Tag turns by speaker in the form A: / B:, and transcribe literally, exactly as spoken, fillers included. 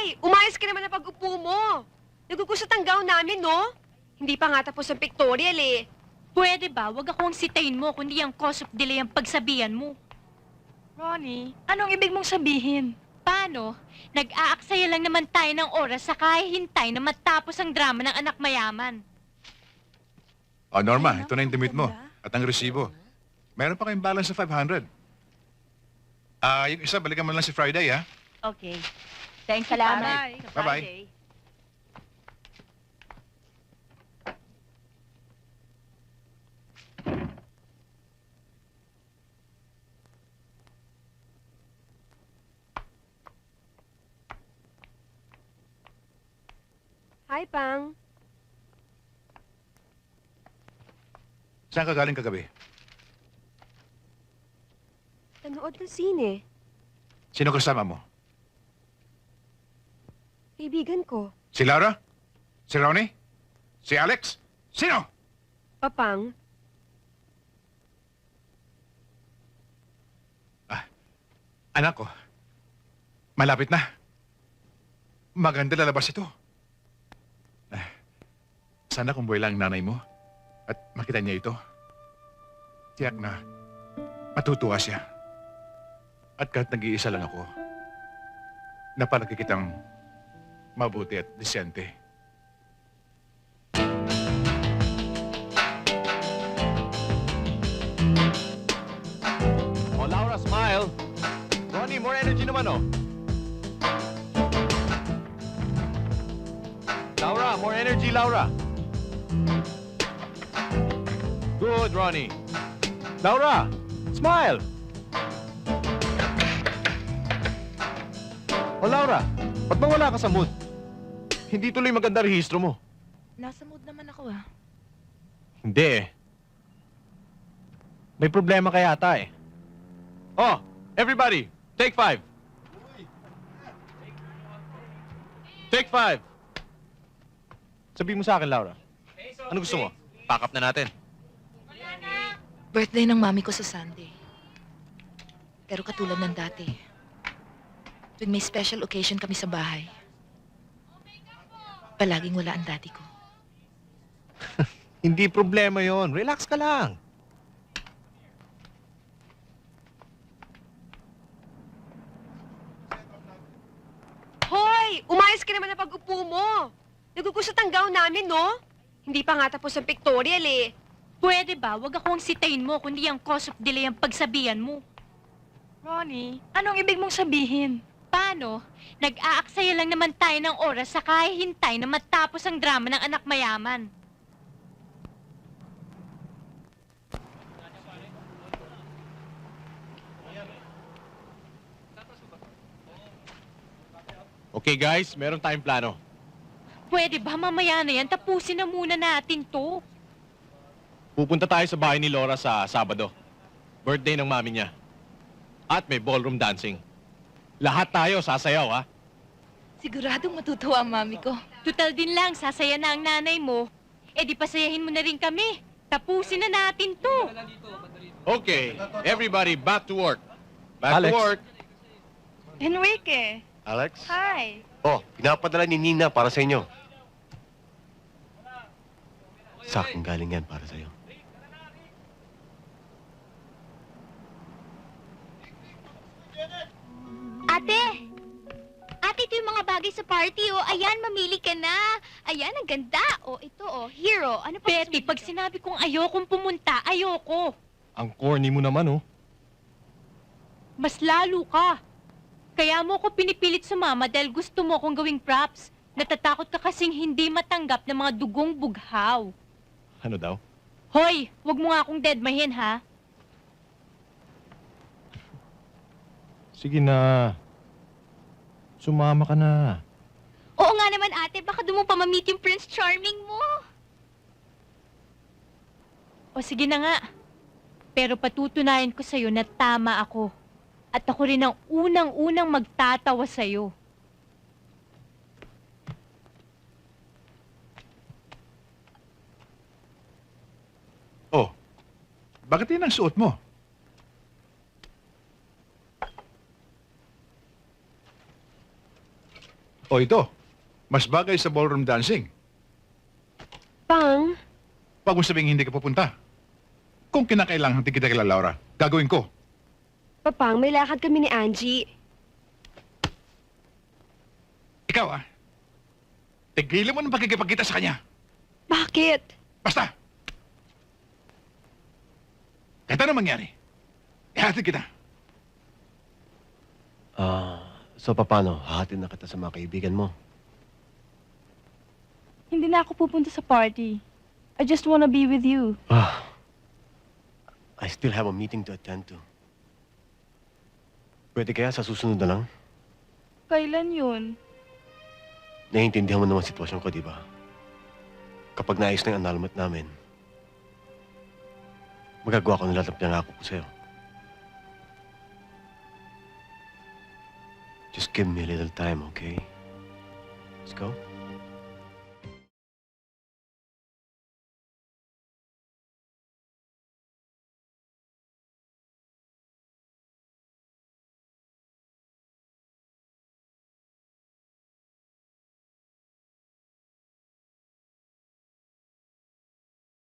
A: Hoy! Umayos ka naman na pag-upo mo. Nagugusot ang gown namin, no? Hindi pa nga tapos ang pictorial eh.
B: Pwede ba? Huwag akong sitayin mo, kundi ang cause of delay ang pagsabihan mo.
C: Ronnie, anong ibig mong sabihin?
B: Paano? Nag-aaksaya lang naman tayo ng oras sa kahihintay na matapos ang drama ng anak mayaman.
D: O, Norma, ito na yung damit mo. At ang resibo. Meron pa kayong balance sa five hundred. Ah, yung isa, balikan mo lang si Friday, ha?
B: Okay. Thanks,
C: Salamat.
D: Bye-bye.
A: Hi, Pang.
D: Saan ka galing kagabi?
A: Nanood ng sine.
D: Sino kasama mo?
A: Kaibigan ko.
D: Si Laura? Si Ronnie? Si Alex? Sino?
A: Papang,
D: Anak ko. Malapit na. Maganda lalabas ito. Ah, sana kung buhay lang ang nanay mo at makita niya ito. Tiyak na matutuwa siya. At kahit nag-iisa lang ako, napalagi kitang mabuti at disente.
E: Oh, Laura, smile. Ronnie, more energy naman, oh. Laura, more energy, Laura. Good, Ronnie. Laura, smile. Oh, Laura, ba't ba wala ka sa mood? Hindi tuloy maganda rehistro mo.
C: Nasa mood naman ako ah.
E: Hindi eh. May problema kaya ata eh. Oh, everybody, take five. Take five. Sabihin mo sa akin, Laura. Ano gusto mo? Pack up na natin.
C: Birthday ng mami ko sa Sunday. Pero katulad ng dati, tuwing may special occasion kami sa bahay, palaging wala ang daddy ko.
E: Hindi problema yon. Relax ka lang.
A: Hoy! Umayos ka naman na pag-upo mo. Nagugusot ang gown namin, no? Hindi pa nga tapos ang pictorial eh.
B: Pwede ba? Huwag akong sitayin mo, kundi ang cause of delay ang pagsabihan mo.
C: Ronnie, anong ibig mong sabihin?
B: Paano? Nag-aaksaya lang naman tayo ng oras sa kahihintay na matapos ang drama ng anak mayaman.
E: Okay, guys, meron tayong plano.
B: Pwede ba mamaya na yan? Tapusin na muna natin to.
E: Pupunta tayo sa bahay ni Laura sa Sabado. Birthday ng mami niya. At may ballroom dancing. Lahat tayo sasayaw, ha?
C: Siguradong matutuwa ang mami ko.
B: Tutal din lang, sasaya na ang nanay mo. Eh di pasayahin mo na rin kami. Tapusin na natin to.
E: Okay, everybody back to work. Back
F: Alex.
E: to work.
C: Enrique,
F: Alex?
C: hi.
F: Oh, pinapadala ni Nina para sa inyo. Sa akin galing yan para sa'yo.
G: Ate! Ate, ito yung mga bagay sa party, oh. Ayan, mamili ka na. Ayan, ang ganda. Oh, ito, oh, hero. Ano pa gusto
B: Betty,
G: mo
B: pag
G: dito?
B: sinabi kong ayokong pumunta, ayoko.
E: Ang corny mo naman, oh.
B: Mas lalo ka. Kaya mo ko pinipilit sumama dahil gusto mo akong gawing props. Natatakot ka kasing hindi matanggap ng mga dugong bughaw.
E: Ano daw?
B: Hoy, wag mo nga akong deadmahin, ha?
E: Sige na. Sumama ka na.
G: Oo nga naman, ate. Baka doon mo pa ma-meet yung Prince Charming mo.
B: O sige na nga. Pero patutunayan ko sa'yo na tama ako. At ako rin ang unang-unang magtatawa sa'yo.
D: Oh, bakit yun ang suot mo? O ito, mas bagay sa ballroom dancing.
A: Pang,
D: Pag mo sabing hindi ka pupunta. Kung kinakailangan hindi kita kila Laura, gagawin ko.
A: Papang, may lakad kami ni Angie.
D: Ikaw ah, tigilan mo ng pagkikipagkita sa kanya.
A: Bakit?
D: Basta! Kahit ano mangyari, ihatid kita.
F: Ah, so paano? Hahatid na kita sa mga kaibigan mo.
B: Hindi na ako pupunta sa party. I just wanna be with you.
F: Ah, I still have a meeting to attend to. Pwede kaya sa susunod na lang?
B: Kailan yun?
F: Naiintindihan mo naman sitwasyon ko, di ba? Kapag naayos na yung annulment namin, magagawa ko ng lahat ng pinangako ko sa'yo. Just give me a little time, okay? Let's go.